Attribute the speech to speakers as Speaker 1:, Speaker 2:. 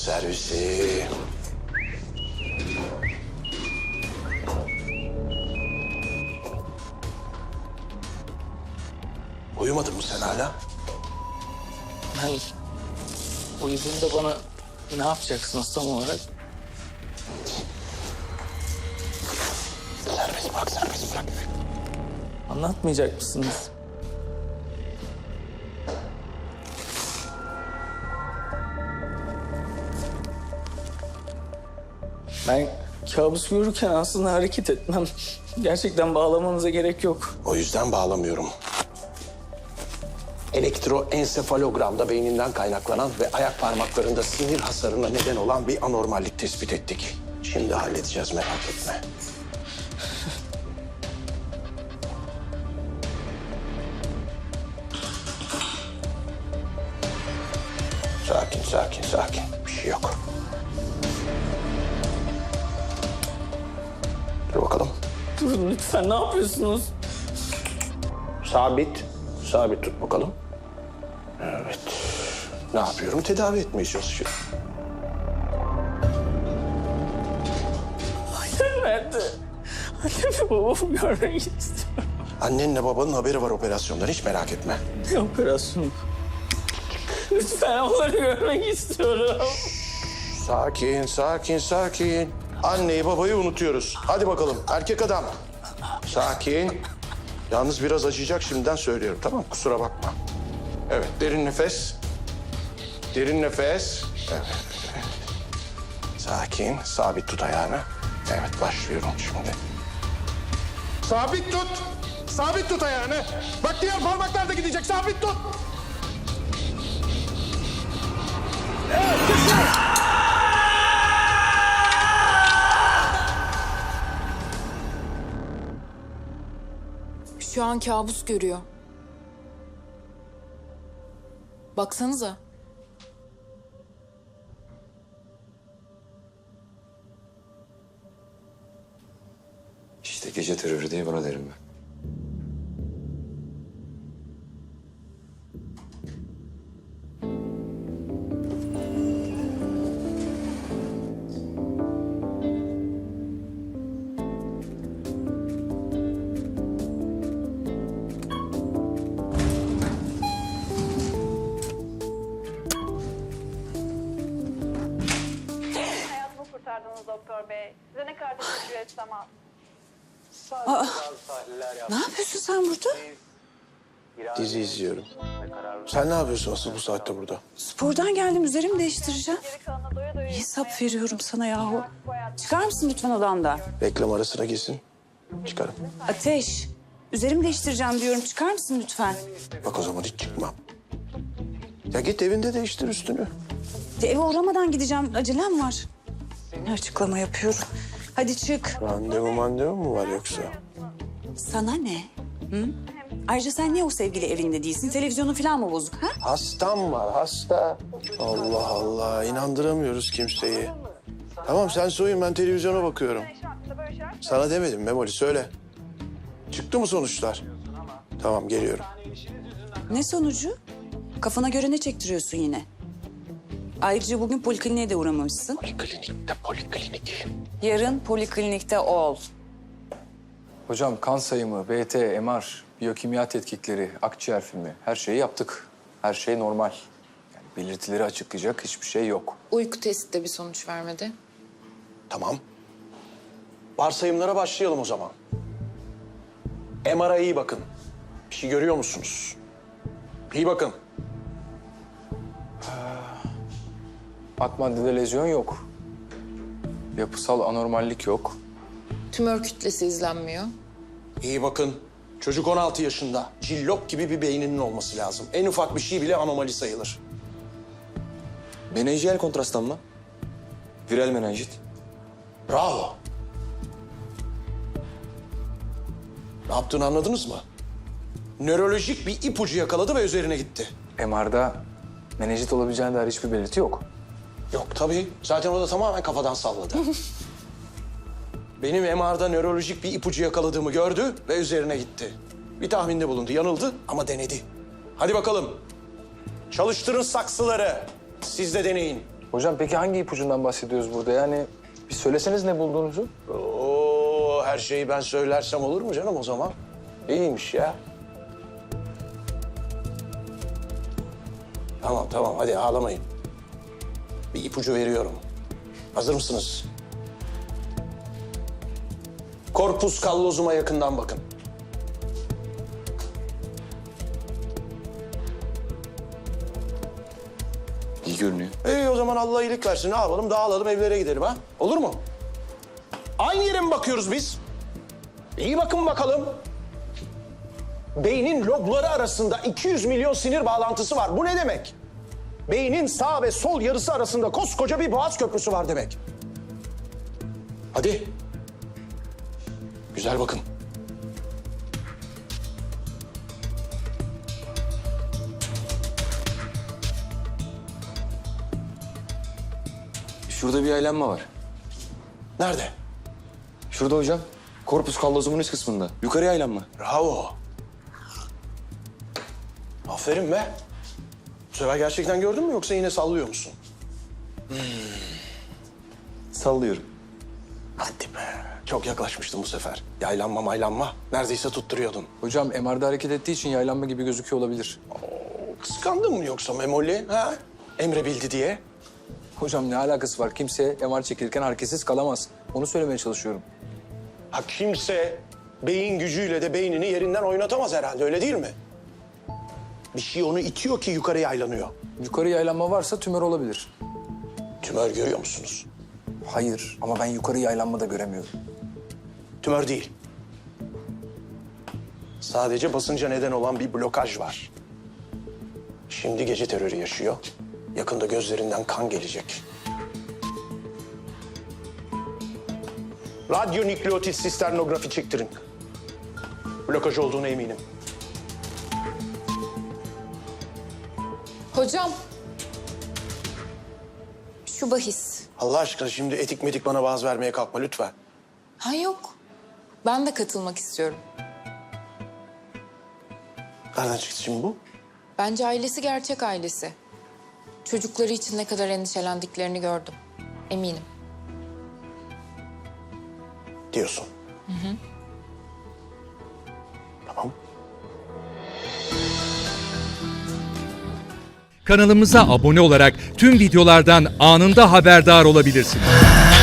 Speaker 1: servisi. Uyumadın mı sen hala?
Speaker 2: Ben uyuduğumda bana ne yapacaksınız tam olarak?
Speaker 1: Serbest bırak, serbest bırak.
Speaker 2: Anlatmayacak mısınız? Ben kabus görürken aslında hareket etmem. Gerçekten bağlamanıza gerek yok.
Speaker 1: O yüzden bağlamıyorum. Elektroensefalogramda beyninden kaynaklanan ve ayak parmaklarında sinir hasarına neden olan bir anormallik tespit ettik. Şimdi halledeceğiz, merak etme. Sakin, sakin, sakin. Bir şey yok. Dur bakalım.
Speaker 2: Durun lütfen, ne yapıyorsunuz?
Speaker 1: Sabit. Sabit tut bakalım. Evet. Ne yapıyorum? Tedavi etmeye çalışıyorum.
Speaker 2: Annem nerede? Annemi babamı görmek istiyorum.
Speaker 1: Annenle babanın haberi var operasyondan. Hiç merak etme.
Speaker 2: Ne operasyonu? Lütfen onları görmek istiyorum.
Speaker 1: Sakin, sakin, sakin. Anneyi babayı unutuyoruz. Hadi bakalım. Erkek adam. Sakin. Yalnız biraz acıyacak, şimdiden söylüyorum. Tamam, kusura bakma. Evet, derin nefes. Derin nefes. Evet. Sakin, sabit tut ayağını. Evet, başlıyorum şimdi. Sabit tut. Sabit tut ayağını. Bak diğer parmaklar da gidecek. Sabit tut.
Speaker 3: Şu an kabus görüyor. Baksanıza.
Speaker 4: İşte gece terörü diye buna derim ben.
Speaker 5: Hayatımı kurtardınız doktor bey. Size ne kadar teşekkür etsem az.
Speaker 6: Ne yapıyorsun sen burada?
Speaker 1: Dizi izliyorum. Sen ne yapıyorsun asıl bu saatte burada?
Speaker 6: Spordan geldim, üzerimi değiştireceğim.
Speaker 5: Geri kalanına doya doya
Speaker 6: Hesap veriyorum sana yahu. Çıkar mısın lütfen odamdan?
Speaker 1: Reklam arasına girsin. Çıkarım.
Speaker 6: Ateş, üzerimi değiştireceğim diyorum. Çıkar mısın lütfen?
Speaker 1: Bak o zaman hiç çıkmam. Ya git evinde değiştir üstünü.
Speaker 6: Eve uğramadan gideceğim. Acelem var. Ne açıklama yapıyorum. Hadi çık.
Speaker 1: Randevu mu var yoksa?
Speaker 6: Sana ne? Hı? Ayrıca sen niye o sevgili evinde değilsin? Televizyonun falan mı bozuk ha?
Speaker 1: Hastam var, hasta. Allah Allah, inandıramıyoruz kimseyi. Tamam sen soyun, ben televizyona bakıyorum. Sana demedim Memoli, söyle. Çıktı mı sonuçlar? Tamam, geliyorum.
Speaker 6: Ne sonucu? Kafana göre ne çektiriyorsun yine? Ayrıca bugün polikliniğe de uğramamışsın.
Speaker 1: Poliklinikte, poliklinik.
Speaker 6: Yarın poliklinikte ol.
Speaker 4: Hocam kan sayımı, BT, MR, biyokimya tetkikleri, akciğer filmi her şeyi yaptık. Her şey normal. Yani belirtileri açıklayacak hiçbir şey yok.
Speaker 3: Uyku testi de bir sonuç vermedi.
Speaker 1: Tamam. Varsayımlara başlayalım o zaman. MR'a iyi bakın. Bir şey görüyor musunuz? İyi bakın.
Speaker 4: Ak maddede lezyon yok. Yapısal anormallik yok.
Speaker 3: Tümör kütlesi izlenmiyor.
Speaker 1: İyi bakın. Çocuk 16 yaşında. Cillop gibi bir beyninin olması lazım. En ufak bir şey bile anomali sayılır.
Speaker 4: Menenjiyel kontrastlanma. Viral menenjit.
Speaker 1: Bravo. Ne yaptığını anladınız mı? Nörolojik bir ipucu yakaladı ve üzerine gitti.
Speaker 4: MR'da menenjit olabileceğine dair hiçbir belirti yok.
Speaker 1: Yok tabii. Zaten o da tamamen kafadan salladı. Benim MR'da nörolojik bir ipucu yakaladığımı gördü ve üzerine gitti. Bir tahminde bulundu. Yanıldı ama denedi. Hadi bakalım. Çalıştırın saksıları. Siz de deneyin.
Speaker 4: Hocam peki hangi ipucundan bahsediyoruz burada? Yani bir söyleseniz ne bulduğunuzu.
Speaker 1: Oo, her şeyi ben söylersem olur mu canım o zaman? İyiymiş ya. Tamam hadi ağlamayın. Bir ipucu veriyorum. Hazır mısınız? Corpus callosum'a yakından bakın.
Speaker 7: İyi görünüyor.
Speaker 1: İyi o zaman Allah iyilik versin. Ne yapalım? Dağılalım evlere gidelim ha? Olur mu? Aynı yere mi bakıyoruz biz? İyi bakın bakalım. Beynin lobları arasında 200 milyon sinir bağlantısı var. Bu ne demek? Beynin sağ ve sol yarısı arasında koskoca bir boğaz köprüsü var demek. Hadi. Güzel bakın.
Speaker 7: Şurada bir yaylanma var.
Speaker 1: Nerede?
Speaker 7: Şurada hocam. Korpus kallozumun üst kısmında. Yukarı yaylanma.
Speaker 1: Bravo. Aferin be. Bu sefer gerçekten gördün mü yoksa yine sallıyor musun?
Speaker 7: Sallıyorum.
Speaker 1: Hadi be. Çok yaklaşmıştın bu sefer. Yaylanma maylanma. Neredeyse tutturuyordun.
Speaker 4: Hocam MR'da hareket ettiği için yaylanma gibi gözüküyor olabilir.
Speaker 1: Kıskandın mı yoksa Memoli? Ha? Emre bildi diye.
Speaker 4: Hocam ne alakası var? Kimse MR çekilirken hareketsiz kalamaz. Onu söylemeye çalışıyorum.
Speaker 1: Ha kimse beyin gücüyle de beynini yerinden oynatamaz herhalde öyle değil mi? Bir şey onu itiyor ki yukarı yaylanıyor.
Speaker 4: Yukarı yaylanma varsa tümör olabilir.
Speaker 1: Tümör görüyor musunuz?
Speaker 4: Hayır ama ben yukarı yaylanma da göremiyorum.
Speaker 1: Tümör değil. Sadece basınca neden olan bir blokaj var. Şimdi gece terörü yaşıyor. Yakında gözlerinden kan gelecek. Radyonükleotit sisternografi çektirin. Blokaj olduğuna eminim.
Speaker 3: Hocam. Şu bahis.
Speaker 1: Allah aşkına şimdi etik medik bana vaaz vermeye kalkma lütfen.
Speaker 3: Ha yok. Ben de katılmak istiyorum.
Speaker 1: Nereden çıktı şimdi bu?
Speaker 3: Bence ailesi gerçek ailesi. Çocukları için ne kadar endişelendiklerini gördüm. Eminim.
Speaker 1: Diyorsun. Tamam.
Speaker 8: Kanalımıza abone olarak tüm videolardan anında haberdar olabilirsiniz.